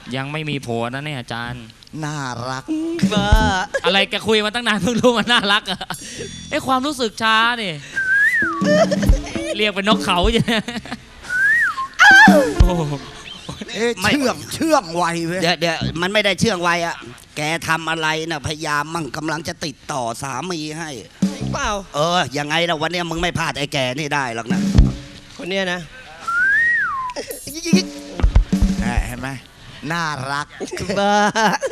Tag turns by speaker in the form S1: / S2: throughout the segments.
S1: ยังไม่มีผัวนะเนี่ยอาจารย์
S2: น่ารัก
S3: บ้า
S1: อะไรแกคุยมาตั้งนานเพิ่งรู้มันน่ารักอะไอ้ความรู้สึกช้านี่เรียกเป็นนกเขาใช่ไหม
S2: เชื่องไวเว้ย
S3: เดี๋ยวมันไม่ได้เชื่องไวอะแกทำอะไรนะพยายามมั่งกำลังจะติดต่อสามีให้เปล่ายังไงล่ะวันนี้มึงไม่พลาดไอ้แกนี่ได้หรอกนะคนเนี้ยนะ
S2: เห็นไหมน่ารัก
S3: บ้า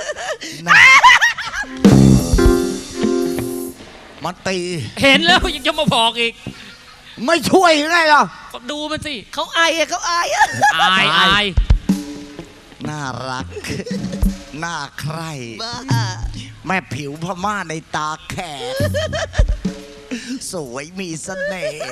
S2: มันตี
S1: เห็นแล้วยังจะมาบอกอีก
S2: ไม่ช่วยไงหรอ
S1: ดูมันสิ
S3: เขาอาย
S2: น่ารักน่าใคร่แม่ผิวพม่าในตาแขกสวยมีเสน่ห์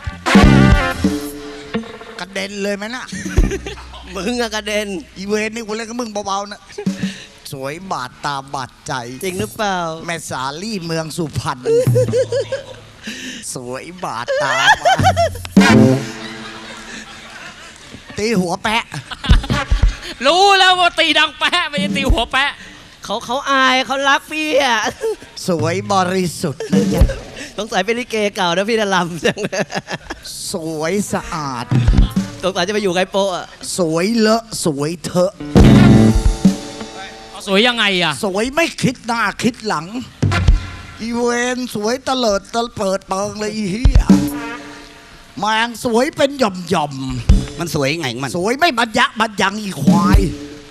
S2: กระเด็นเลยไหมน่ะ
S3: มึงอะกระเด็น
S2: อีเวนนี่กูเล่นกับมึงเบาๆนะสวยบาดตาบาดใจ
S3: จริงหรือเปล่า
S2: แม่สาลี่เมืองสุพรรณสวยบาดตาตีหัวแปะ
S1: รู้แล้วว่าตีดังแปะไม่ใช่ตีหัวแปะ
S3: เขาอายเขารักพี่อะ
S2: สวยบริสุทธิ์นะจ๊ะ
S3: สงสัยเป็นลิเกเก่านะพี่ดลำจัง
S2: สวยสะอาด
S3: สงสัยจะไปอยู่ไกโปะ
S2: สวยเลอะสวยเถอะ
S1: สวยยังไงอะ
S2: สวยไม่คิดหน้าคิดหลังอีเวนสวยตะเลิดตะเปิดเปิงเลยอีเหี้ยแมงสวยเป็นหย่อม
S3: มันสวยไงมัน
S2: สวยไม่บรรยะบรรยังอีควาย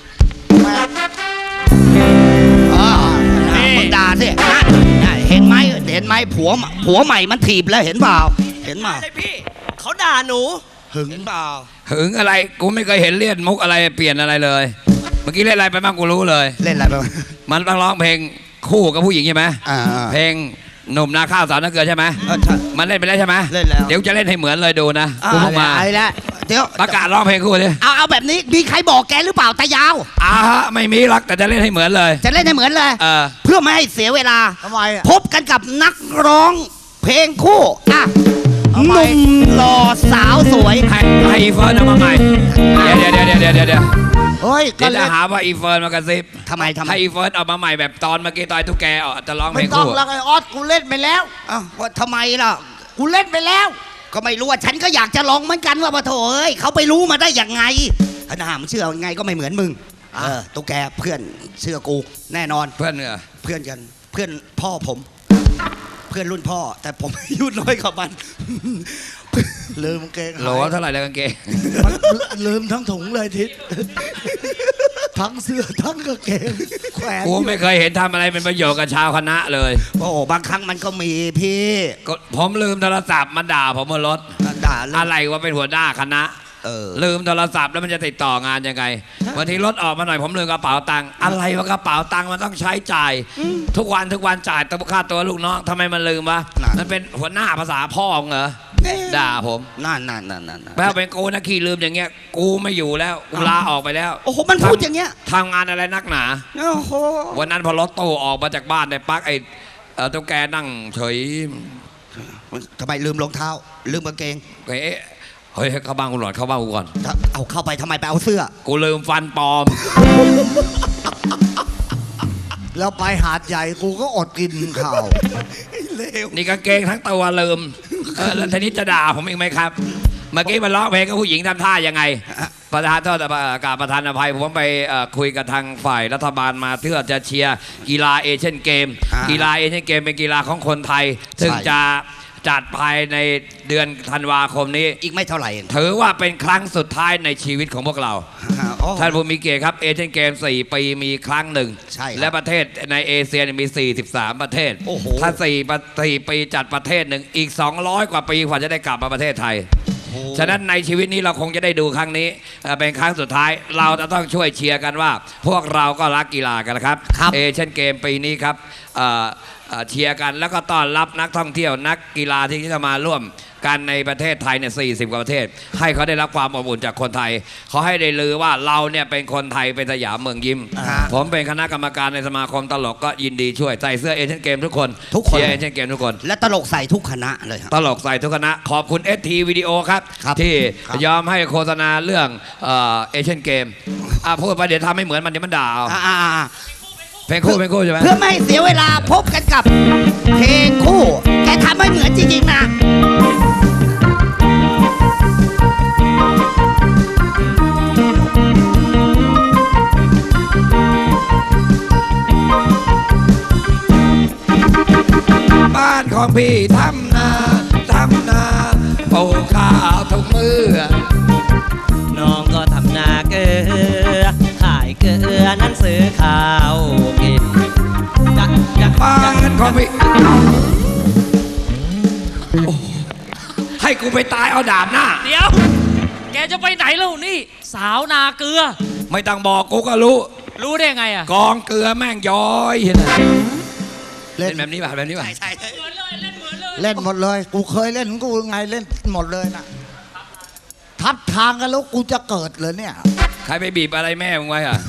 S3: มึงด่าสิเห็นไหมผัวใหม่มันถีบแล้วเห็นเปล่าพี่เขาด่าหนู
S2: หึง
S3: เปล่า
S4: หึงอะไรกูไม่เคยเห็นเล่นมุกอะไรเปลี่ยนอะไรเลยเมื่อกี้เล่นอะไรไปบ้างกูรู้เลย
S3: เล่นอะไรไป
S4: มันต้องร้องเพลงคู่กับผู้หญิงใช่ไหมเพลงหนุ่มนาข้าวสาวนาเกลือใช่ไหมมันเล่นไปแล้วใช่ไหม
S3: เล่นแล้ว
S4: เดี๋ยวจะเล่นให้เหมือนเลยดูนะกูเพิ่งมา
S3: เดี๋ยว
S4: ประกาศร้องเพลงคู่ดิ
S3: เอาแบบนี้มีใครบอกแกหรือเปล่าตายาว
S4: ไม่มีรักแต่จะเล่นให้เหมือนเลย
S3: จะเล่นให้เหมือนเลยเพื่อไม่ให้เสียเวลา
S2: ทำไม
S3: พบกันกับนักร้องเพลงคู่หนุ่มหล่อสาวสวย
S4: ให้อีเฟิร์นเอามาใหม่เดี๋ยว
S2: เฮ้ย
S4: ก็จะหาว่าอีเฟิร์นมากระซิบ
S3: ทำไม
S4: ให้อีเฟิร์นเอามาใหม่แบบตอนเมื่อกี้ตอนตุ๊กแกจะร้องเพลงคู่
S2: ไม่ต้องแล้วไอ้ออสกูเล่นไปแล้ว
S3: ว่าทำไมล่ะ
S2: กูเล่นไปแล้ว
S3: ก็ไม่รู้ว่าฉันก็อยากจะลองเหมือนกันว่าปะโถเอ้ยเขาไปรู้มาได้ยังไงขนาดมันเชื่อยังไงก็ไม่เหมือนมึงตุ๊กแกเพื่อนเชื่อกูแน่นอน
S4: เพื่อนเหรอ
S3: เพื่อนกันเพื่อนพ่อผมเพื่อนรุ่นพ่อแต่ผมอายุน้อยกว่ามัน
S2: ลืมเกง
S4: โหลเท่าไหร่แล้วกางเกง
S2: ลืมทั้งถุงเลยทิศทั้งเสื้อทั้งกางเกงแขวน
S4: กูไม่เคยเห็นทำอะไรเป็นประโยชน์กับชาวคณะเลย
S3: โอ้บางครั้งมันก็มีพี่
S4: ผมลืมโทรศัพท์มันด่าผมบนรถ
S3: ด่า
S4: อะไรว่าเป็นหัวหน้าคณะลืมโทรศัพท์แล้วมันจะติดต่องานยังไงบางทีรถออกมาหน่อยผมลืมกระเป๋าตังค์อะไรวะกระเป๋าตังค์มันต้องใช้จ่ายทุกวันจ่ายค่าตัวลูกน้องทำไมมันลืมวะมันเป็นหัวหน้าภาษาพ่อเหรอด่าผม
S3: นั่น
S4: แปลเป็นกูนะขี้ลืมอย่างเงี้ยกูไม่อยู่แล้วกูลาออกไปแล้ว
S3: โอ้โหมันพูดอย่างเงี้ย
S4: ทำงานอะไรนักหนา
S3: โอ้โห
S4: วันนั้นพอรถตู้ออกมาจากบ้านในปักไอ้ตุ๊กแกนั่งเฉย
S3: ทำไมลืมรองเท้าลืมกางเกง
S4: เฮ้ยเข้าบ้านกูหน่อยเข้าบ้านกูก่อน
S3: เอาเข้าไปทำไมไปเอาเสื้อ
S4: กูลืมฟันปลอม
S2: แล้วไปหาดใหญ่กูก็อดกินข้าว
S4: นี่กางเกงทั้งตัวลืมแล้วทีนี้จะด่าผมอีกไหมครับเมื่อกี้มันร้องเพลงกับผู้หญิงทำท่ายังไงประธานโทษกับประธานอภัยผมไปคุยกับทางฝ่ายรัฐบาลมาเพื่อจะเชียร์กีฬาเอเชียนเกมกีฬาเอเชียนเกมเป็นกีฬาของคนไทยซึ่งจะจัดภายในเดือนธันวาคมนี้
S3: อีกไม่เท่าไหร่
S4: ถือว่าเป็นครั้งสุดท้ายในชีวิตของพวกเราท่านผู้มีเกียรติครับเอเชียนเกม4 ปีมีครั้งหนึ่งและประเทศในเอเชียมี43ประเทศถ้า4 ปีจัดประเทศหนึ่งอีก200 กว่าปีกว่าจะได้กลับมาประเทศไทยฉะนั้นในชีวิตนี้เราคงจะได้ดูครั้งนี้เป็นครั้งสุดท้ายเราจะต้องช่วยเชียร์กันว่าพวกเราก็รักกีฬากันนะครับเอเชียนเกมปีนี้ครับเชียร์กันแล้วก็ต้อนรับนักท่องเที่ยวนักกีฬาที่จะมาร่วมกันในประเทศไทยเนี่ย40 กว่าประเทศ ให้เขาได้รับความอบอุ่นจากคนไทยเขาให้ได้ลือว่าเราเนี่ยเป็นคนไทยเป็นสยามเมืองยิ้ม ผมเป็นคณะกรรมการในสมาคมตลกก็ยินดีช่วยใส่เสื้อเอเชียนเกมทุกคนเชียร์เอเชียนเกมทุกคน
S3: และตลกใส่ทุกคณะเลยครับ
S4: ตลกใส่ทุกคณะขอบคุณ ST วิดีโอครับ
S3: ครับ
S4: ที่
S3: ครับ
S4: ยอมให้โฆษณาเรื่องเอเชียนเกมพูดไปเดี๋ยวทำให้เหมือนมันเดี๋ยวมันด่าเอา เพลงคู่ใช่ไหม
S3: เพื่อไม่ให้เสียเวลาพบกันกับเพลงคู่ แกทำให้เหมือนจริงๆนะ
S4: บ้านของพี่ทำนาปลูกข้าวทุกมื้อ
S5: น้องก็ทำนาเกลือขายเกลือนั้นซื้อข้าวกินจะ
S4: บ้านของพี่โอ้ให้กูไปตายเอาดาบหน้า
S1: เดี๋ยว แกจะไปไหนแล้วนี่ สาวนาเกลือ
S4: ไม่ต้องบอกกูก็รู้
S1: รู้ได้ไงอ่ะ
S4: กองเกลือแม่งย้อยเห็นไหมเล่นแบบนี้ป่ะแบบนี้ป่ะ
S3: ใช่
S1: เหมือนเลยเล่นเหมือนเลย
S2: เล่นหมดเลย กูเคยเล่นของกูไงเล่นหมดเลยนะทับทางกันแล้วกูจะเกิดเลยเนี่ย
S4: ใครไปบีบอะไรแม่มึงไว้อ่ะ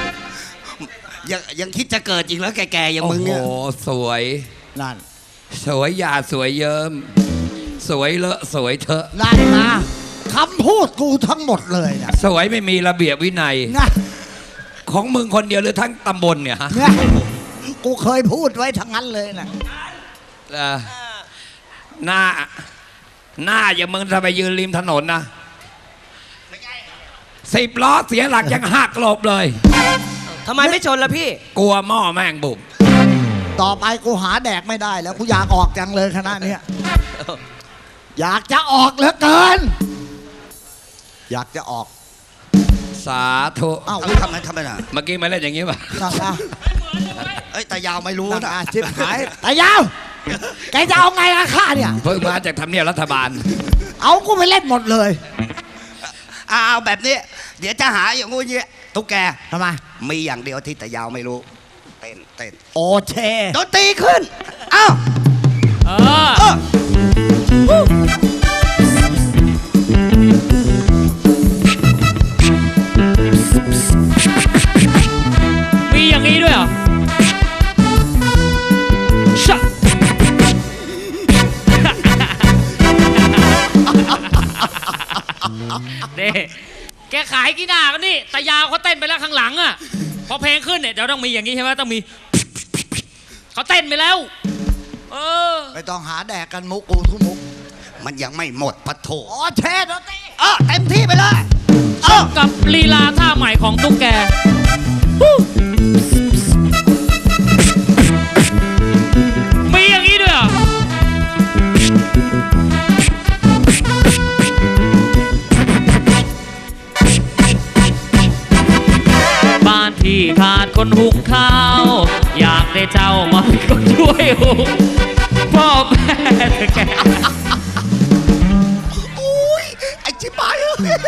S3: ยังคิดจะเกิดจริงแล้วแก่ๆอย่างมึงเนี่ย
S4: โอ้โหสวย
S2: นั่น
S4: สวยหยาดสวยเยิ้มสวยเลอะสวยเถอะ
S2: นั่นนะคำพูดกูทั้งหมดเลยนะ
S4: สวยไม่มีระเบียบวินัย
S2: นะ
S4: ของมึงคนเดียวหรือทั้งตำบลเนี่ยฮะ
S2: เนี่ยกูเคยพูดไว้ทั้งนั้นเลยนะ
S4: หน้าอย่างมึงจะไปยืนริมถนนนะ10 ล้อเสียหลักยังหักหลบเลย
S5: ทำไมไม่ชนล่ะพี่
S4: กลัวหม้อแม่งบุบ
S2: ต่อไปกูหาแดกไม่ได้แล้วกูอยากออกจังเลยคณะเนี้ยอยากจะออกเหลือเกิน อยากจะออก
S4: สาธุ
S2: เอ้า
S3: ทำไมน่ะ
S4: เมื่อกี้มาเล่นอย่างนี้ป่ะ
S2: นั่นนะ
S3: เอ้ยแต่ยาวไม่รู้
S2: นั่น
S3: นะ
S2: นะชิบหายแต่ยาว แกจะเอาไงอะข้าเนี่ย
S4: เพิ่งมาจากทำเนียบรัฐบาล
S2: เอากูไปเล่นหมดเลย
S3: เอาแบบนี้ เดี๋ยวจะหาอย่างงู้นอย่างงี้ตุ๊กแก
S2: ทำไม
S3: มีอย่างเดียวที่แต่ยาวไม่รู้ เต้น
S2: โอเช
S3: ดนตรีขึ้น เอ้า
S1: เออ
S3: เออ
S1: มีอย่างนี้ด้วยเหรอชะ เด้แกขายกี่หน้ากันนี่ตายาวเขาเต้นไปแล้วข้างหลังอ่ะ พอเพลงขึ้นเนี่ยเดี๋ยวต้องมีอย่างนี้ใช่ไหมต้องมี เขาเต้นไปแล้ว เออ
S2: ไม่ต้องหาแดกกันมุกกูทุกมุก
S3: มันยังไม่หมดปะโถ
S2: โอเชดนตรี
S3: เต็มที่ไปเลย
S1: กับลีลาท่าใหม่ของตุ๊กแกมีอย่างนี้ด้วยเหรอบ้านที่ขาดคนหุงข้าว อยากได้เจ้ามาเป็นคนช่วยหุงพ่อแม่แก
S3: ไอ้ชิบหาย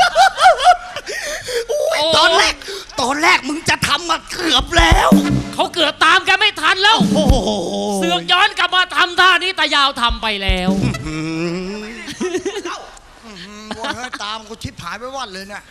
S3: ตอนแรกมึงจะทำมาเกือบแล้ว
S1: เขาเกือบตามกันไม่ทันแล้ว
S3: โอ้โห
S1: เสือกย้อนกลับมาทำท่านี้ตายาวทำไปแล้ว
S2: ว่าเฮ้ยตามกูชิบหายไปวัดเลยเนี่ย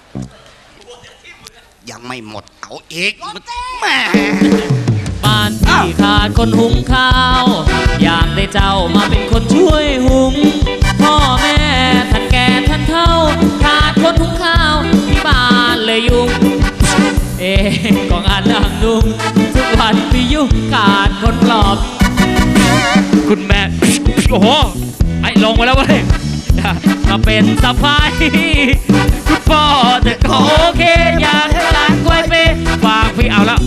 S3: ยังไม่หมดเอาอีกแหม่
S1: บ้านที่ขาดคนหุงข้าว อยากได้เจ้ามาเป็นคนช่วยหุง พ่อแม่ท่านแก่ท่านเฒ่า ขาดคนหุงข้าวที่บ้านเลยยุ่ง ก็งานนั่งนุ่งทุกวันพี่ยุ่งขาดคนปลอบ คุณแม่ โอ้โห ไอ้ลงไปแล้วเว้ยมาเป็นสะพ้ายคุณพ่อแต่ก็โอเค อยากให้หลานกล้วยเปฝากพี่เอาแล้ว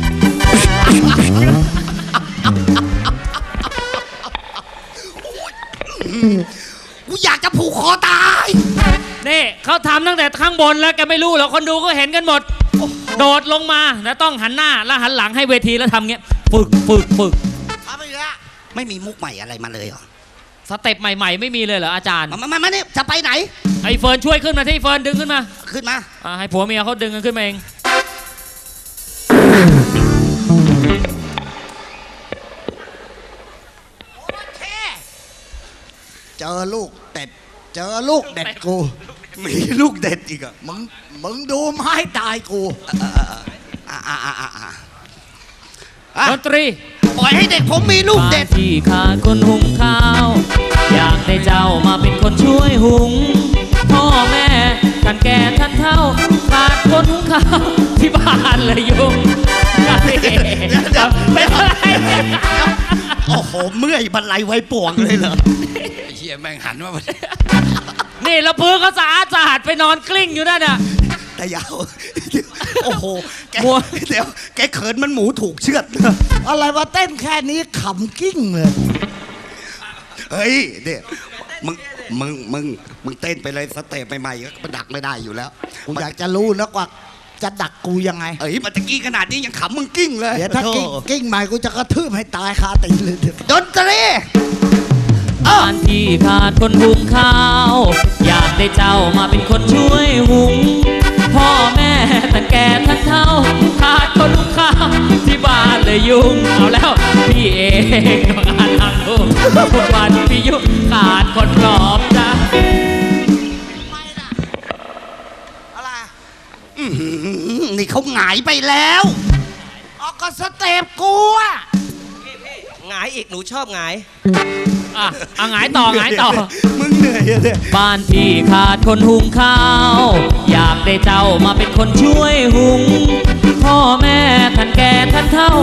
S3: กูอยากจะผูกคอตาย
S1: นี่เขาทำตั้งแต่ข้างบนแล้วแกไม่รู้หรอกคนดูก็เห็นกันหมด โดดลงมาแล้วต้องหันหน้าแล้วหันหลังให้เวทีแล้วทำเงี้ยฝึก
S2: ทำอีกแล้ว
S3: ไม่มีมุกใหม่อะไรมาเลยเหรอ
S1: สเต็ปใหม่ๆไม่มีเลยเหรออาจารย์
S3: มานี่จะไปไหน
S1: ไอ้เฟิร์นช่วยขึ้นมาที่เฟิร์นดึงขึ้นมา
S3: ขึ้นมา
S1: ให้ผัวเมียเขาดึงกันขึ้นมาเอง
S2: เจอลูกเต็ดเจอลูกเด็ดกู
S3: มีลูกเด็ดอีกอะ
S2: มึงดูไม้ตายกู
S1: ดนตรี
S3: ปล่อยให้เด็กผมมีลูกเด็ด
S1: บ้านที่ขาดคนหุงข้าว อยากได้เจ้ามาเป็นคนช่วยหุง พ่อแม่ท่านแก่ท่านเฒ่าขาดคนหุงข้าวที่บ้านเลยยุงเป็นอะไร
S3: โอ้โห เมื่อยบรรลัยไว้ป่วงเลยเหรอ
S4: ไอ้เหี้ยแม่งหันมา
S1: นี่แล้วพื้นเขาสะอาดไปนอนกลิ้งอยู่นั่นน่ะ
S3: แต่ยาว โอ้โห แก
S1: มัว
S3: เดี๋ยว แกเขินมันหมูถูกเชือด
S2: อะไรวะเต้นแค่นี้ขำกิ้งเลย
S3: เฮ้ยเดี๋ยวมึงเต้นไปเลยสเต็ปใหม่ๆก็ดักไม่ได้อยู่แล้ว
S2: กูอยากจะรู้นะว่าจะดักกูยังไง
S3: เอ้ยมันตะกี้ขนาดนี้ยังขำมึงกิ้งเลย
S2: เดี๋ยวถ้ากิ้งใหม่กูจะกระทืบให้ตายคาตีนเลยเดี๋ยว
S3: ดนตรี
S1: บ้านที่ขาดคนหุงข้าว อยากได้เจ้ามาเป็นคนช่วยหุง พ่อแม่ท่านแก่ท่านเฒ่าขาดคนหุงข้าวที่บ้านเลยยุงเอาแล้วพี่เองต้องอ่านทางลูกทุกวันพี่ยุขาดคนปลอบใจ
S3: นี่เขาหงายไปแล้ว
S2: ออกก็สเต็ปกูอะ
S5: หงายอีกหนูชอบหงาย
S1: อ่ะเอาหงายต่อ
S3: มึงเหนื่อยอะเนี่ย
S1: บ้านที่ขาดคนหุงข้าว อยากได้เจ้ามาเป็นคนช่วยหุง พ่อแม่ท่านแก่ท่านเฒ่า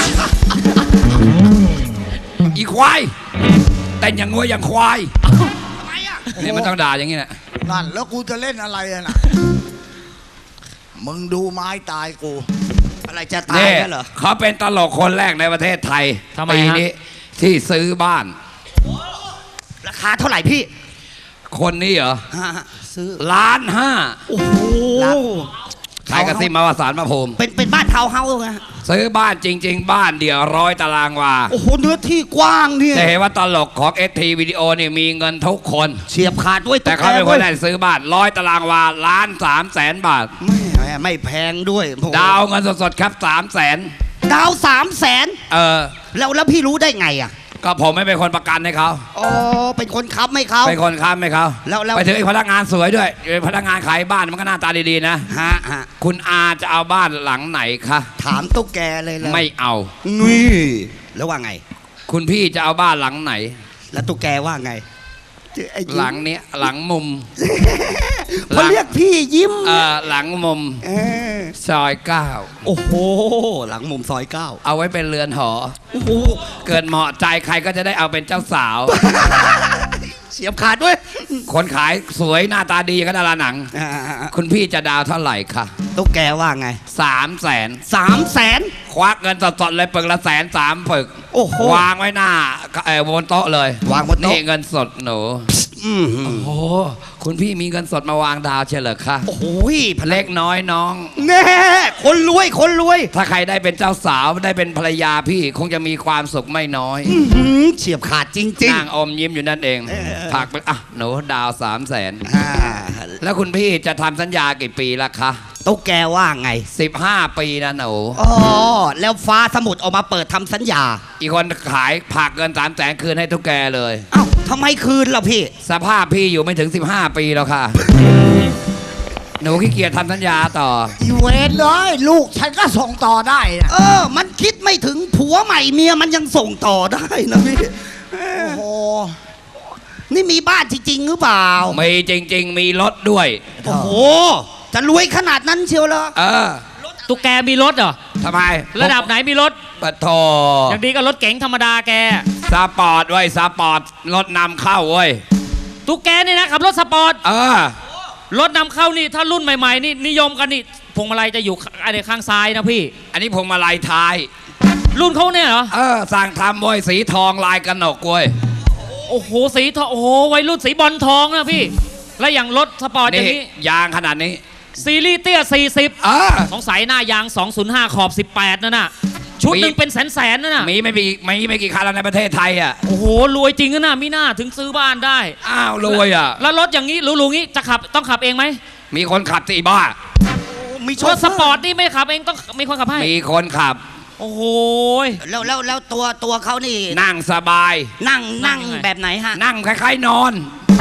S4: อีควายเต้นอย่างงัวอย่างควายนี่มันต้องด่าอย่างนี้แหละ
S2: นั่นแล้วกูจะเล่นอะไรอะน่ะ มึงดูไม้ตายกู
S3: อะไรจะตาย
S4: นี่
S3: แล้วเหรอ
S4: เขาเป็นตลกคนแรกในประเทศไทย
S1: ทำไม
S4: ปี
S1: ฮะ
S4: นี้ที่ซื้อบ้าน
S3: ราคาเท่าไหร่พี่
S4: คนนี้เหรอ
S3: ซื้อ
S4: 1,500,000
S3: โอ้โห
S4: ใครกระซิบมาว่าสารพระภูมิ
S3: เป็นบ้านทาวน์เฮาส์ไง
S4: ซื้อบ้านจริง ๆ บ้านเดียว100 ตารางวา
S3: โอ้โห เนื้อที่กว้างเนี่ย
S4: แต่เห็นว่าตลกของ ST วิดีโอนี่มีเงินทุกคน
S3: เฉียบขาดด้วย
S4: แต่เขาเป็นคนแรกซื้อบ้าน100 ตารางวา1,300,000 บาท
S3: ไม่แพงด้วย
S4: ดาวเงินสดๆครับ300,000
S3: ดาว300,000
S4: เออ
S3: แล้วพี่รู้ได้ไงอ่ะ
S4: ก็ผมไม่เป็นคนประกันให้เขา
S3: อ๋อ เป็นคนค้ำให้เขา
S4: เป็นคนค้ำให้เขา
S3: แล้ว
S4: ไปถึงไอ้พนักงานสวยด้วยไอ้พนักงานขายบ้านมันก็หน้าตาดีๆนะ
S3: ฮะ
S4: คุณอาจะเอาบ้านหลังไหนคะ
S3: ถามตุ๊กแกเลยเลย
S4: ไม่เอา
S3: นี่แล้วว่าไง
S4: คุณพี่จะเอาบ้านหลังไหน
S3: แล้วตุ๊กแกว่าไงไอ้ยิ้ม
S4: หลังเนี้ยหลังมุม
S3: พอเรียกพี่ยิ้ม
S4: หลังมุม
S3: เออ
S4: ซอย
S3: โ
S4: 9
S3: อ้โห หลังมุมซอย9
S4: เอาไว้เป็นเรือนหอ
S3: โอ้โห
S4: เกิดเหมาะใจใครก็จะได้เอาเป็นเจ้าสาว
S3: เสียบขาดด้วย
S4: คนขายสวยหน้าตาดีก็ดาราหนัง คุณพี่จะดาวเท่าไหร่คะ
S3: ตุ๊กแกว่าไง
S4: 300,000
S3: 300,000
S4: ควักเงินสดๆเลยปึกละ130,000 ปึก
S3: โอ้โห
S4: วางไว้หน้าบนโต๊ะเลยว
S3: างบนโต๊ะ
S4: นี่เงินสดหนู
S3: อืม
S4: โอ้โหคุณพี่มีเงินสดมาวางดาวเฉลยคะ
S3: โอ้โห
S4: เล็กน้อยน้อง
S3: แน่คนรวยคนรวย
S4: ถ้าใครได้เป็นเจ้าสาวได้เป็นภรรยาพี่คงจะมีความสุขไม่น้อย
S3: อื้อหือเฉียบขาดจริง
S4: นางอมยิ้มอยู่นั่นเองผักไปอ่ะหนูดาว300,000
S3: ๆ
S4: แล้วคุณพี่จะทำสัญญากี่ปีละคะ
S3: ตุ๊กแกว่าไง
S4: 15 ปีนะหนู
S3: อ๋อ แล้วฟ้าสมุทรออกมาเปิดทำสัญญา
S4: อีกคนขายผักเงิน300,000คืนให้ทุกแกเลย
S3: เอ้าทำไมคืนล่ะพี่
S4: สภาพพี่อยู่ไม่ถึง 15 ปีแล้วค่ะ หนูขี้เกียจทำสัญญาต่อ
S2: อีเวนเลยลูกฉันก็ส่งต่อได้นะ
S3: มันคิดไม่ถึงผัวใหม่เมียมันยังส่งต่อได้นะพี่
S2: โอ้โห
S3: นี่มีบ้านจริงๆหรือเปล่า
S4: มีจริง ๆ มีรถด้วย
S3: โอ้โห จะรวยขนาดนั้นเชียวเหรอ
S4: เออ
S1: ตุ๊กแกมีรถเหรอ
S4: ทำไม
S1: ระดับไหนมีรถ
S4: ปะโท
S1: อย่างดีก็รถเก๋งธรรมดาแก
S4: สปอร์ตไว้ยสปอร์ตรถนำเข้าเว้ย
S1: ตุ๊กแกนี่นะขับรถสปอร์ต
S4: เออ
S1: รถนำเข้านี่ถ้ารุ่นใหม่ๆนี่นิยมกันนี่พวงมาลัยจะอยู่ข้างซ้ายนะพี่
S4: อันนี้พวงมาลัยท้าย
S1: รุ่นเขาเนี่ยเหรอ
S4: เออ สั่งทำเว้ยสีทองลายกระหนกเว้ย
S1: โอ้โหสีทองโอ้โหวัยรุ่นสีบอลทองนะพี่ แล้วอย่างรถสปอร์ตอย่าง
S4: นี่
S1: นี้
S4: ยางขนาดนี้
S1: ซีรีส์เตี้ย 40
S4: เออ
S1: สงสัยหน้ายาง 205 ขอบ 18นั่นน่ะชุดหนึ่งเป็นแสนๆนั่นน่ะ
S4: มีไม่กี่คันแล้วในประเทศไทยอ่ะ
S1: โอ้โหรวยจริงนะมีหน้าถึงซื้อบ้านได้
S4: อ้าวรวยอ่ะ
S1: แล้วรถอย่างนี้หรูๆงี้จะขับต้องขับเองไหม
S4: มีคนขับสิบ้า
S3: มีโช
S1: ร
S3: เฟ
S1: ถสปอร์ตนี่ไม่ขับเองต้องมีคนขับให้
S4: มีคนขับ
S1: โอ้โห
S3: แล้วตัวเขานี่
S4: นั่งสบาย
S3: นั่ง
S1: นั่งยังไง
S3: แบบไหนฮะ
S4: นั่งคล้ายๆนอน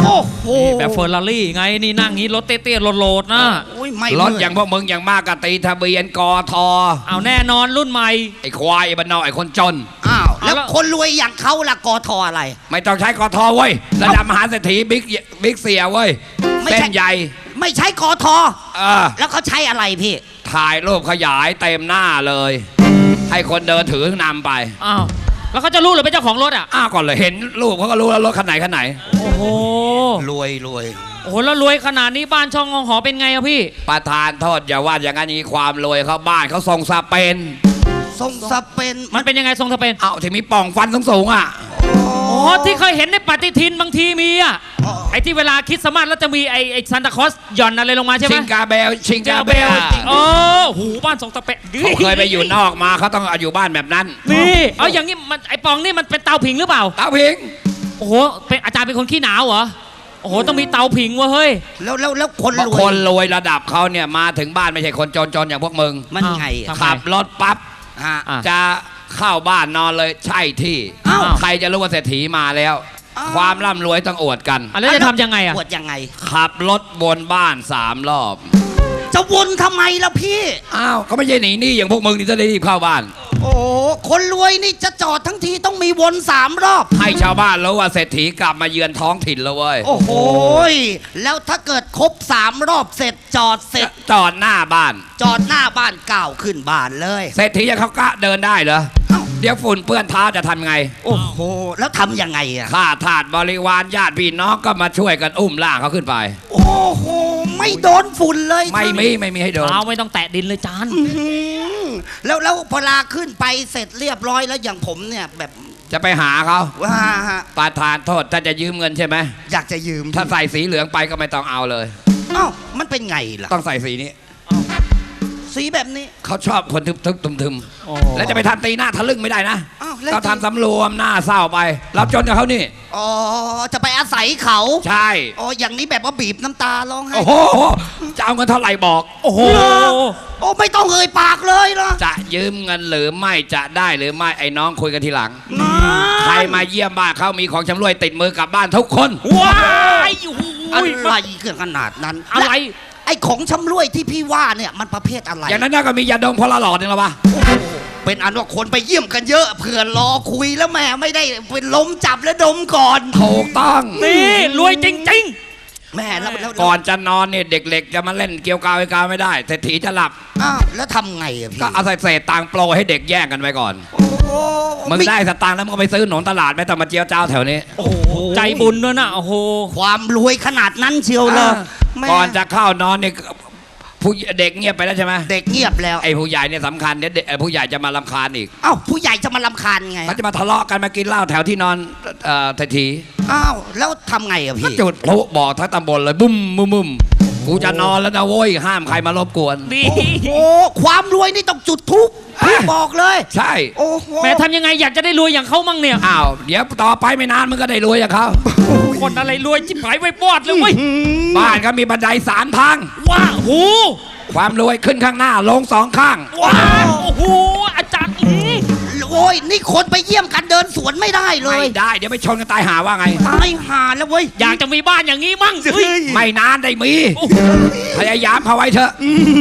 S3: โอ้โห
S1: แบบเฟอร์รารี่ไงนี่นั่งงี้รถเตี้ยๆโหลดๆนะ
S3: โอ้ยไม่
S4: รถอย่างพวกมึงอย่างมากก็ตีทะเบียนกท
S1: เอาแน่นอนรุ่นใหม่
S4: ไอ้ควายไอ้บ้านนอกไอ้คนจน
S3: อ้าวแล้ว
S1: เอาละ
S3: คนรวยอย่างเขาล่ะกทอะไร
S4: ไม่ต้องใช้กทเว้ยระดับมหาเศรษฐีบิ๊กเสียเว้ย
S3: ไม่ใช่
S4: เส้นใหญ่
S3: ไม่ใช่กท
S4: เออ
S3: แล้วเขาใช้อะไรพี่
S4: ถ่ายรูปขยายเต็มหน้าเลย ให้คนเดินถือนำไป
S1: อ้าวแล้วเขาจะรู้หรือเป็นเจ้าของรถอ่ะ
S4: อ้าวก่อนเลยเห็นรูปเขาก็รู้แล้วรถคันไหน
S1: โอ้โห
S3: รวย
S1: โอ้โหแล้วรวยขนาดนี้บ้านช่องงองหอเป็นไงอะพี่
S4: ประธานโทษอย่าว่าอย่างนั้นนี้ความรวยเขาบ้านเขาทรงสเปน
S3: ทรงสเปน
S1: มันเป็นยังไงทรงทะเป็น
S4: เอ้าที่มีป่องฟันสูงๆอ่ะ
S1: อ๋อที่เคยเห็นในปฏิทินบางทีมีอ่ะไอ้ที่เวลาคริดสต์มาสแล้วจะมีไอ้ซานตาคลอสหย่อนอะไรลงมาใช่ไหม
S4: ชิงกาเบลชิงกาเบล
S1: โอ้หูบ้านทรงตะเปะ
S4: เขาเคยไปอยู่นอกมาเขาต้องอยู่บ้านแบบนั้น
S1: นี่เอาอย่างนี้มันไอ้ปองนี่มันเป็นเตาผิงหรือเปล่า
S4: เต้าพิง
S1: โอ้โหเป็นอาจารย์เป็นคนขี้หนาวเหรอโอ้โหต้องมีเตาผิงวะเฮ้ย
S3: แล้วคน
S4: บาง
S3: ร
S4: ค
S3: วย
S4: นรวยระดับเขาเนี่ยมาถึงบ้านไม่ใช่คนจนๆอย่างพวกมึง
S3: มันไง
S1: อ้าว
S4: ขับรถปั๊บ
S3: ฮะ
S1: อ่ะ
S4: จะเข้าบ้านนอนเลยใช่ที่
S3: อ้าว
S4: ใครจะรู้ว่าเศรษฐีมาแล้ว
S3: อ้าว
S4: ความร่ำรวยต้องอวดกัน
S1: อ่ะแล้วจะทำยังไงอ่ะ
S3: ปวดยังไง
S4: ขับรถวนบ้าน3 รอบ
S3: จะวนทำไมล่ะพี่
S4: อ้าวเขาไม่ใช่หนีหนี้อย่างพวกมึงที่จะได้รีบเข้าบ้าน
S3: โอ้คนรวยนี่จะจอดทั้งทีต้องมีวน3 รอบ
S4: ให้ชาวบ้านรู้ว่าเศรษฐีกลับมาเยือนท้องถิ่นแล้วเว้ย
S3: โอ้โหยแล้วถ้าเกิดครบ3 รอบเสร็จจอดเสร็จ
S4: จอดหน้าบ้าน
S3: จอดหน้าบ้านก้าวขึ้นบ้านเลย
S4: เศรษฐีจะเขากะเดินได้เหรอ
S3: เอ้า
S4: เดี๋ยวฝุ่นเปื้อนเท้าจะทำไง
S3: โอ้โห แล้วทำยังไงอ่ะ
S4: ข้าทาสบริวารญาติพี่น้องก็มาช่วยกันอุ้มล่างเขาขึ้นไป
S3: โอ้โห ไม่โดนฝุ่นเลย
S4: ไม่มีให้โดน
S1: เอาไม่ต้องแตะดินเลยจาน
S3: อื้อหือแล้วพอลาขึ้นไปเสร็จเรียบร้อยแล้วอย่างผมเนี่ยแบบ
S4: จะไปหาเขา
S3: ว่าฮะ
S4: ประธานโทษถ้าจะยืมเงินใช่ไหม
S3: อยากจะยืม
S4: ถ้าใส่สีเหลืองไปก็ไม่ต้องเอาเลย
S3: เอ้ามันเป็นไงล่ะ
S4: ต้องใส่สีนี้
S3: สีแบบนี้
S4: เขาชอบคนทึม
S1: โอ้
S4: ๆแล้วจะไปทำตีหน้าทะลึ่งไม่ได้นะ
S3: อ้าวแล้ว
S4: ก็ทำสำรวมหน้าเศร้าไปรับจนกับเขานี่
S3: อ๋อ จะไปอาศัยเขา
S4: ใช่
S3: อ๋อ อย่างนี้แบบว่าบีบน้ำตาร้องไห้
S4: โอ้โหจะเอาเงินเท่าไหร่บอก
S1: โอ้โห
S3: โอ้ไม่ต้องเอ่ยปากเลยเหรอ
S4: จะยืมเงินหรือไม่จะได้หรือไม่ไอ้น้องคุยกันทีหลัง
S3: นะ
S4: ใครมาเยี่ยมบ้านเขามีของชำร่วยติดมือกลับบ้านทุกคน
S1: ว้ายโอ้โห
S3: อะไรเกินขนาดนั้น
S1: อะไร
S3: และไอ้ของชำร่วยที่พี่ว่าเนี่ยมันประเภทอะไร
S4: อย่างนั้นน่าก็มียาดมพลหลอดนึงแล้ววะ
S3: เป็นอันว่าคนไปเยี่ยมกันเยอะเผื่อรอคุยแล้วแม่ไม่ได้เป็นลมจับแล้วดมก่อน
S4: ถูกต้อง
S1: นี่รวยจริง
S3: แม่แล้ว
S4: ก่อนจะนอนเนี่ยเด็กๆจะมาเล่นเกี่ยวกาวไอ้กาวไม่ได้เศรษฐีจะหลับ
S3: อ้าวแล้วทำไงอะพี่
S4: ก็เอาเศษตังค์โปรให้เด็กแย่งกันไว้ก่อน
S3: โอ้โห
S4: มึงได้สตางค์แล้วมึงก็ไปซื้อหนมตลาดไม่ต้องมาเจียวเจ้าแถวนี้
S1: ๆ โอ้โหใจบุญด้วยนะโอ้โห
S3: ความรวยขนาดนั้นเชียวเลยแม่
S4: ก่อนจะเข้านอนเนี่ยผู้เด็กเงียบไปแล้วใช่ไหม
S3: เด็กเงียบแล้ว
S4: ไอ้ผู้ใหญ่เนี่ยสำคัญเนี่ยเด็กผู้ใหญ่จะมาลำคาญอีก
S3: อ้าวผู้ใหญ่จะมาลำคาญไง
S4: เขาจะมาทะเลาะกันมากินเหล้าแถวที่นอนเศรษฐี
S3: อ้าวแล้วทำไงอะ
S4: ก็
S3: พี่
S4: จุดพลุบอกทั้งตำบลเลยบุ้มบุ้มบุ้มกูจะนอนแล้วนะโว้ยห้ามใครมารบกวน
S1: ดี
S3: โอ้ความรวยนี่ต้องจุดทุกพี่บอกเลย
S4: ใช่
S3: โอ้โห
S1: แม่ทำยังไงอยากจะได้รวยอย่างเขามั่งเนี่ย
S4: อ้าวเดี๋ยวต่อไปไม่นานมึงก็ได้รวยอย่างเขา
S1: คนอะไรรวยจิบหายไว้บอดเลยเว้ย
S4: บ้านก็มีบันได3 ทาง
S1: ว้าโห
S4: ความรวยขึ้นข้างหน้าลง2 ข้าง
S1: ว้าโอ้โหอาจารย์
S3: โอ้ยนี่คนไปเยี่ยมกันเดินสวนไม่ได้เล
S4: ไม่
S3: ย
S4: ได้เดี๋ยวไปชนกันตายหาว่าไง
S3: ตายห่าแล้วเว้ย
S1: อยากจะมีบ้านอย่างนี้มั่งเฮ้ย
S4: ไม่นานได้มี
S1: โอ้โห
S4: พยายามเขาไว้เถอะ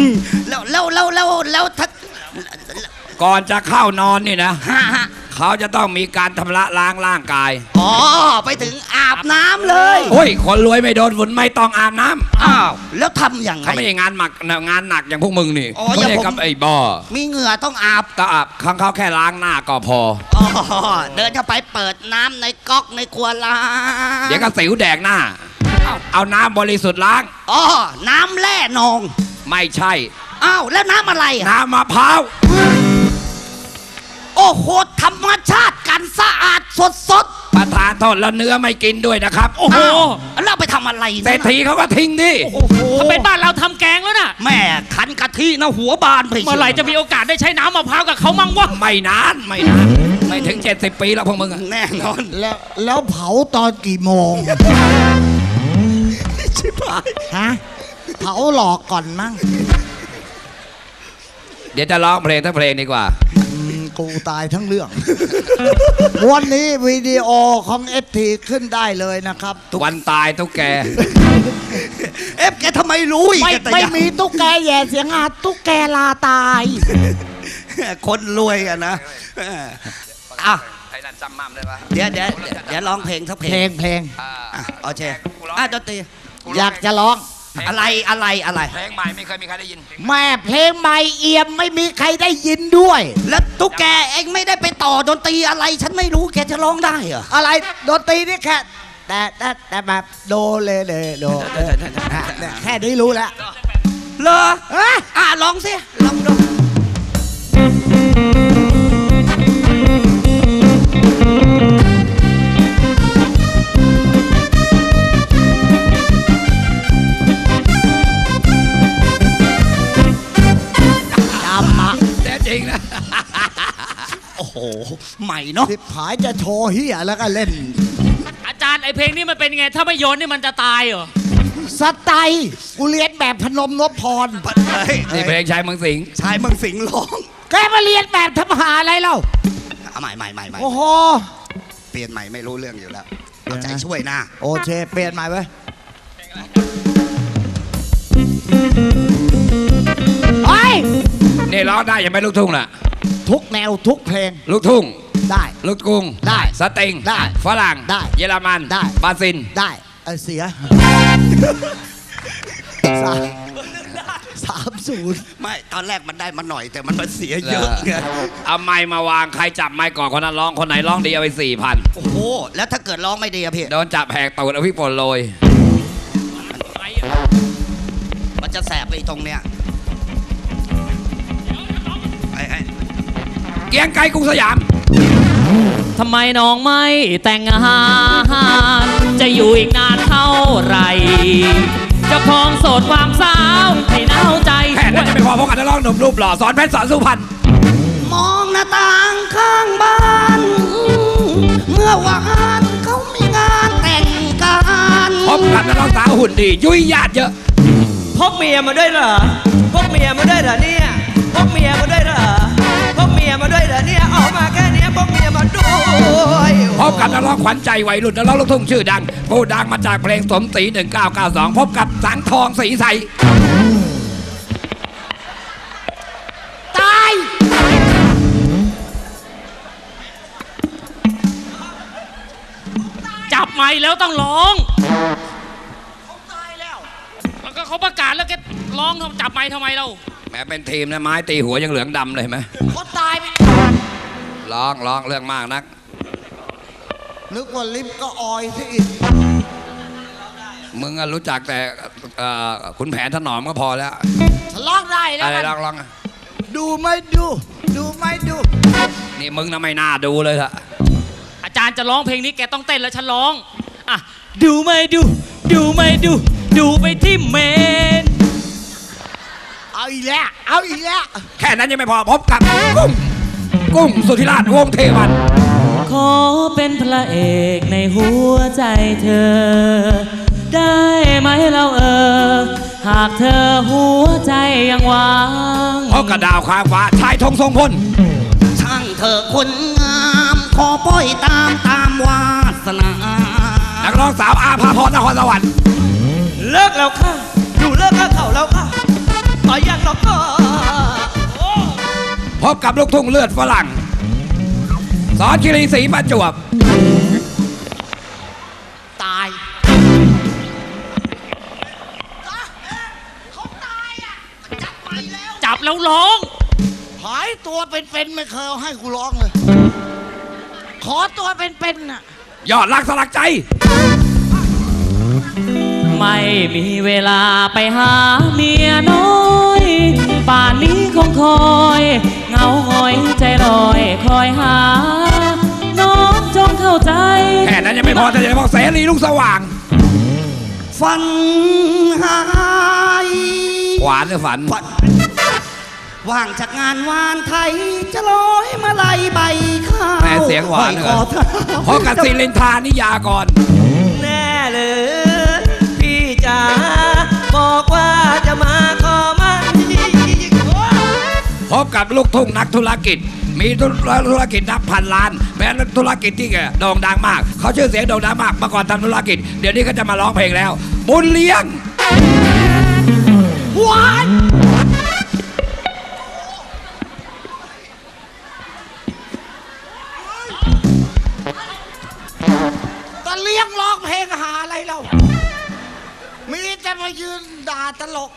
S3: แล้วถ้า
S4: ก่อนจะเข้านอนนี่นะ
S3: ฮะ
S4: เขาจะต้องมีการทำละล้างร่างกาย
S3: อ๋อไปถึงอาบน้ำเลย
S4: โอ้ยคนรวยไม่โดนฝุ่นไม่ต้องอาบน้ำ
S3: อ้าวแล้วทำยังไง
S4: เขาไม่ใช่งานหนักอย่างพวกมึงนี่
S3: อ๋อ
S4: ไม่
S3: อย่า
S4: ใช่
S3: ผม
S4: กับไอ้บ่อ
S3: มีเหงื่อต้องอาบ
S4: ก็อาบข้างเขาแค่ล้างหน้าก็พอ
S3: อ๋อเดินเข้าไปเปิดน้ำในก๊อกในครัวล้าง
S4: เดี๋ยวก็สิวแดกหน้า เอาน้ำบริสุทธิ์ล้าง
S3: อ๋อน้ำแร่นอง
S4: ไม่ใช่
S3: อ้าวแล้วน้ำอะไรอะ
S4: น้ำมะพร้าว
S3: โอ้โหธรรมชาติกันสะอาดสด
S4: ประทานโทษแล้วเนื้อไม่กินด้วยนะครับ
S1: โอ้โห
S3: ๆแล้วเอาไปทำอะไร
S4: เศรษฐีเขาก็ทิ้งดิ
S3: โอ้โห
S1: ถ้าเป็นบ้านเราทำแกงแล้วน่ะ
S3: แม่ขันกะทินะหัวบานไป
S1: เมื่อไหร่จะมีโอกาสได้ใช้น้ำมะพร้าวกับเขามั่งวะ
S4: ไม่นานไม่ถึง70 ปีแล้วพวกมึงอะ
S3: แน่นอน
S2: แล้วเผาตอนกี่โมง
S3: ชิบหาย
S2: ฮะ เผาหลอกก่อนมั้ง
S4: เดี๋ยวจะร้องเพลงทั้งเพลงดีกว่า
S2: กูตายทั้งเรื่อง วันนี้วิดีโอของเอฟทีขึ้นได้เลยนะครับ
S4: วันตายตุ๊กแก
S3: แกทำไมรู้อีก
S2: ไม่มีตุ๊กแกแย่เสียงอาตุ๊กแกลาตาย
S3: คนรวยอะนะอ่ะ
S4: ไอ้นั่นจำมั่มได้ปะ
S3: เดี๋ยวร้องเพลงสักเพล
S2: เพล
S3: ง
S2: ง
S3: โอเคดนตรี
S2: อยากจะร้อง
S3: อะไร
S4: เพลงใหม่ไม่เคยมีใครได้ยิน
S2: แม่เพลงใหม่เอี่ยมไม่มีใครได้ยินด้วย
S3: แล้วตุ๊กแกเองไม่ได้ไปต่อดนตรีอะไร ฉันไม่รู้แกจะร้องได้เหรอ
S2: อะไรดนตรีนี่แค่แต่แบบโดเลโดแค่นี้รู้แล้ว
S3: เหรอร้องสิลองดู
S2: จำมา
S4: แต่จริงนะ
S3: โอ้โหใหม่เนาะ
S2: สิบผายจะโชว์เฮียแล้วก็เล่น
S1: อาจารย์ไอเพลงนี้มันเป็นไง ถ้าไม่โยนนี่มันจะตายเหรอ
S2: สไตล์กูเรียนแบบพนมนพพร
S4: นี่เพลงชายเมืองสิงห์
S3: ชายเมืองสิงห์ร้อง
S2: แกมาเรียนแบบทำหาอะไรเล่า
S3: ใหม่
S2: โอ้โห
S3: เปลี่ยนใหม่ไม่รู้เรื่องอยู่แล้วเอาใจช่วยนะ
S2: โอเคเปลี่ยนใหม่ไว้เฮ้ย
S4: นี่ร้องได้ยังไม่ลูกทุ่งล่ะ
S2: ทุกแนวทุกเพลง
S4: ลูกทุ่ง
S2: ได้
S4: ลูกกรุง
S2: ได้
S4: สตริง
S2: ได้
S4: ฝรั่ง
S2: ได้
S4: เยอรมัน
S2: ได้
S4: บราซิล
S2: ได้เสีย30
S3: ไม่ตอนแรกมันได้มาหน่อยแต่มันเสียเยอะไง
S4: เอาไม้มาวางใครจับไม้ก่อนคนนั้นร้องคนไหนร้องดีเอาไป4,000
S3: โอ้โหแล้วถ้าเกิดร้องไม่ดีอะพี่
S4: โดนจับแหกตูดเอาพี่ปนโรย
S3: มันจะแสบไปตรงเนี้ยไอ้
S4: เกียงไกรกรุงสยาม
S1: ทำไมน้องไม่แต่งงาน จะอยู่อีกนานเท่าไหรจะครองโสดความสาวให้หนาวใจ
S4: แค่นั้นจะไม่พอเพราะกันจะร้องหนุ่มรูปหล่อสอนเพชรสอนสุพรรณ
S3: มองหน้าต่างข้างบ้านเมื่อวานเขามีงานแต่งกัน
S4: พบกับนักร้องสาวหุ่นดี ยุ่ยญาติเยอะ
S5: พกเมียมาด้วยเหรอ พกเมียมาด้วยเหรอเนี่ย พกเมียมาด้วยเหรอ พกเมียมาด้วยเหรอเนี่ยออกมาแค่เนี้ยพกเมียมาด้วย
S4: พบกับนักร้องขวัญใจวัยรุ่นนักร้องลูกทุ่งชื่อดังผู้ดังมาจากเพลงสมศรี1992 พบกับสังทองศรีใส
S2: ตาย
S1: จับไม้แล้วต้องร้องแล้วก็เขาประกาศแล้วแกร้องจับไม้ทำไมเรา
S4: แม้เป็นทีมนะไม้ตีหัวยังเหลืองดำเลยเห็นไหม
S2: เขาตายไป
S4: ร้องเรื่องมากนัก
S2: นึกว่าลิฟต์ก็ออยซะอีก
S4: มึงอะรู้จักแต่ขุนแผนถนอมก็พอแล้ว
S2: ฉันร้องได้แล้ว
S4: อะไร
S2: กัน
S4: ร้องอะ
S2: ดูไม่ดูไม่ดู
S4: นี่มึงนะไม่น่าดูเลยละ
S1: อาจารย์จะร้องเพลงนี้แกต้องเต้นแล้วฉันร้องอ่ะดูไม่ดูไม่ดู ดูไปที่เมน
S2: เอาอีกแล้ว
S4: แค่นั้นยังไม่พอพบกับกุ้งสุธิราชวงศ์เทวัน
S1: ขอเป็นพระเอกในหัวใจเธอ ได้ไหมเราหากเธอหัวใจยังว่าง
S4: พบกับดาวค้างฟ้าชายธงทรงพล
S3: ช่างเธอคนงามขอปล่อยตามวาสนา
S4: นักร้องสาวอาภาพรนครสวรรค์
S5: เลิกแล้วค่ะดูเลิกแล้วเขาแล้วค่ะต่อยันหรอกค่ะ
S4: พบกับลูกทุ่งเลือดฝรั่งสอนคิรีศรีประจวบ
S2: ตาย
S1: จับแล้วร้อง
S2: หายตัวเป็นไม่เคยเอาให้กูร้องเลย ขอตัวเป็นน่ะ
S4: ยอดรักสลักใจ
S1: ไม่มีเวลาไปหาเมียน้อยป่านนี้คงคอยเหงาหงอยใจลอยคอยหา น้องจงเข้าใจ
S4: แค่นั้นยังไม่พอแต่จะบอกเสรีลุงสว่าง
S3: ฝันหาย
S4: หวานหรือฝัน
S3: ว่างจากงานวานไทยจะลอยมาลัยใบข้าว
S4: แม่เสียงหวานเหรอ พบกับศิรินทานิยากร
S5: แน่เลยพี่จ๋าบอกว่าจะมาขอมัน
S3: พ
S4: พบกับลูกทุ่งนักธุรกิจ มีธุรกิจนับพันล้านเป็นธุรกิจที่โด่งดังมาก เขาชื่อเสียงโด่งดังมากเมื่อก่อนทำธุรกิจเดี๋ยวนี้ก็จะมาร้องเพลงแล้ว บุญเลี้ยง
S2: ตะเลี้ยงร้องเพลงหาอะไรเรามีแต่มายืนด่าตลก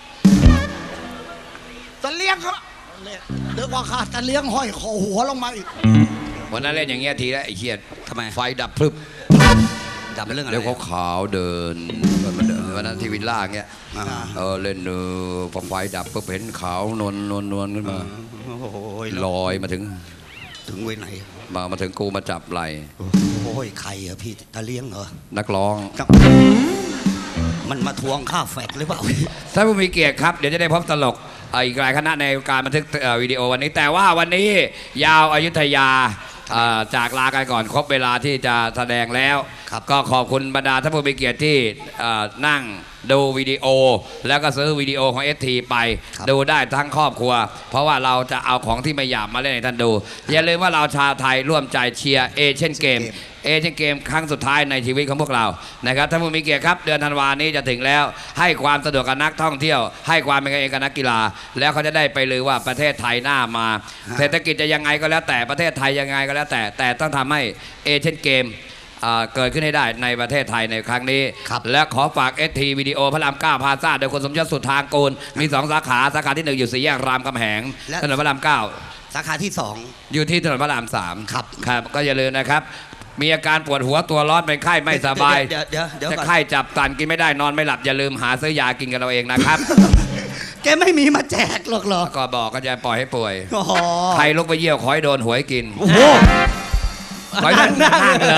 S2: ตะเลี้ยงเขาเดี๋ยวว่าขาดตะเลี้ยงห้อยคอหัวลงมาอีก
S4: วันนั้นเล่นอย่างเงี้ยทีแล้วไอ้เชียด
S3: ทำไม
S4: ไฟดับพรึบ
S3: ดับเป็นเรื่องอะไร
S4: เดี๋ยวเขาขาวเดินวันนั้นที่วิลล่าเงี้ยเล่นพอไฟดับปุ๊บเห็นขาวนวลขึ้นมา
S3: โอ้ย
S4: ลอยมาถึง
S3: เว้ยไหน
S4: มาถึงกูมาจับไหล
S3: โอ้ยใครอะพี่ตาเลี้ยงเหรอ
S4: นักร้อง
S3: มันมาทวงค่าแฟกหรือเปล่า
S4: ถ้าผู้มีเกียรติครับเดี๋ยวจะได้พบตลกอีกหลายคณะในการบันทึกวิดีโอวันนี้ แต่ว่าวันนี้ยาวอยุธยาจากลากันก่อนครบเวลาที่จะแสดงแล้ว ก็ขอบคุณบรรดาท่านผู้มีเกียรติที่นั่งดูวิดีโอ แล้วก็ซื้อวิดีโอของ ST ไปดูได้ทั้งครอบครัว เพราะว่าเราจะเอาของที่ไม่หยาบมาเล่นให้ท่านดู อย่าลืมว่าเราชาวไทยร่วมใจเชียร์เอเชียนเกมครั้งสุดท้ายในชีวิตของพวกเรานะครับท่านผู้มีเกียรติครับเดือนธันวานี้จะถึงแล้วให้ความสะดวกกับนักท่องเที่ยวให้ความเป็นกันเองกับนักกีฬาแล้วเขาจะได้ไปลือว่าประเทศไทยหน้ามาเศรษฐกิจจะยังไงก็แล้วแต่ประเทศไทยยังไงก็แล้วแต่ต้องทำให้เอเชียนเกมเกิดขึ้นให้ได้ในประเทศไทยในครั้งนี้และขอฝาก ST วิดีโอพระราม9พลาซ่าโดยคุณสมยศสุทธางกูลมี2สาขาสาขาที่1อยู่4แยกรามคำแหงถนนพระราม9
S3: สาขาที่
S4: อยู่ที่ถนนพระราม3
S3: ครับ
S4: ครับก็อย่าลืมนะครับมีอาการปวดหัวตัวร้อนเป็นไข้ไม่สบาย
S3: เดี๋ยว
S4: จะ
S3: ก่อน
S4: ไข้จับตันกินไม่ได้นอนไม่หลับอย่าลืมหาซื้อยากินกันเราเองนะครับ
S3: แกไม่มีมาแจกหรอกเหรอ
S4: ก็บอกก็จะปล่อยให้ป่วย
S3: โอ้โห
S4: ใครลุกไปเยี่ยวขอให้โดนหวยกิน
S3: โอ้โห
S4: ขอให้ท่านนั่งเลย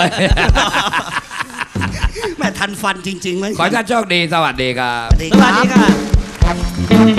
S3: แม่ทันฟันจริงๆเลย
S4: ขอให้ท่านโชคดีสวัสดีครับ
S3: สวัสดี
S5: สวัสดีค่ะ